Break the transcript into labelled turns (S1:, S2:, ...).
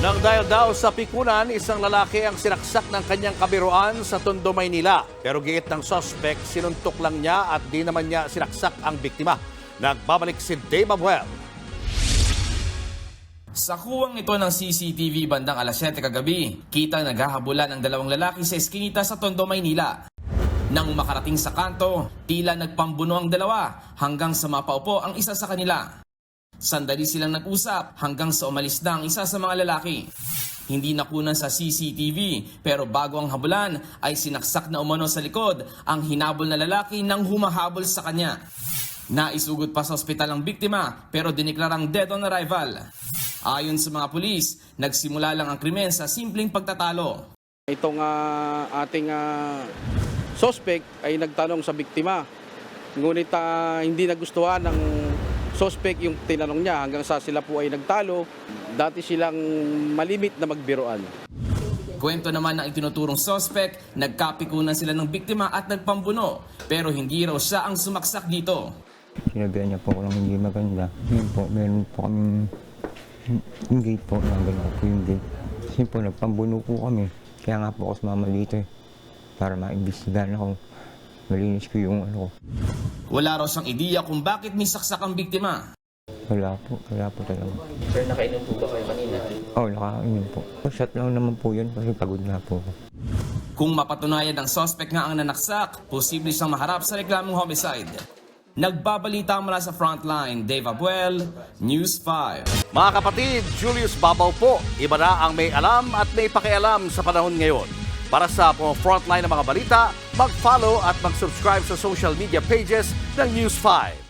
S1: Nang dahil daw sa pikunan, isang lalaki ang sinaksak ng kanyang kabiruan sa Tondo, Maynila. Pero giit ng suspect, sinuntok lang niya at di naman niya sinaksak ang biktima. Nagbabalik si Dave Abuel.
S2: Sa kuwang ito ng CCTV bandang alas 7 kagabi, kita naghahabulan ang dalawang lalaki sa eskinita sa Tondo, Maynila. Nang makarating sa kanto, tila nagpambuno ang dalawa hanggang sa mapaupo ang isa sa kanila. Sandali silang nag-usap hanggang sa umalis na ang isa sa mga lalaki. Hindi nakunan sa CCTV pero bago ang habulan ay sinaksak na umano sa likod ang hinabol na lalaki nang humahabol sa kanya. Naisugod pa sa ospital ang biktima pero diniklarang dead on arrival. Ayon sa mga pulis, nagsimula lang ang krimen sa simpleng pagtatalo.
S3: Itong ating suspect ay nagtanong sa biktima. Ngunit hindi nagustuhan ng suspect yung tinanong niya hanggang sa sila po ay nagtalo. Dati silang malimit na magbiruan.
S2: Kwento naman ng itinuturong suspect, nagkapikunan sila ng biktima at nagpambuno pero hindi raw siya ang sumaksak dito.
S4: Sinabihan niya po ako ng hindi maganda. Yun po, meron po kaming yung gate po, nagano po yung gate. Kasi po, nagpambuno po kami. Kaya nga po ako sumama dito para maimbestigahan ako. Malinis ko yung ano ko.
S2: Wala raw siyang ideya kung bakit may saksak ang biktima.
S4: Wala po talaga.
S5: Sir, nakainom po ba kayo kanina?
S4: Oo, nakainom po. Shot lang naman po yun kasi pagod na po ako.
S2: Kung mapatunayan ng suspect nga ang nanaksak, posible siyang maharap sa reklamong homicide. Nagbabalita mula sa Frontline, Dave Abuel, News 5.
S1: Mga kapatid, Julius Babaw po. Iba na ang may alam at may pakialam sa panahon ngayon. Para sa frontline ng mga balita, mag-follow at mag-subscribe sa social media pages ng News 5.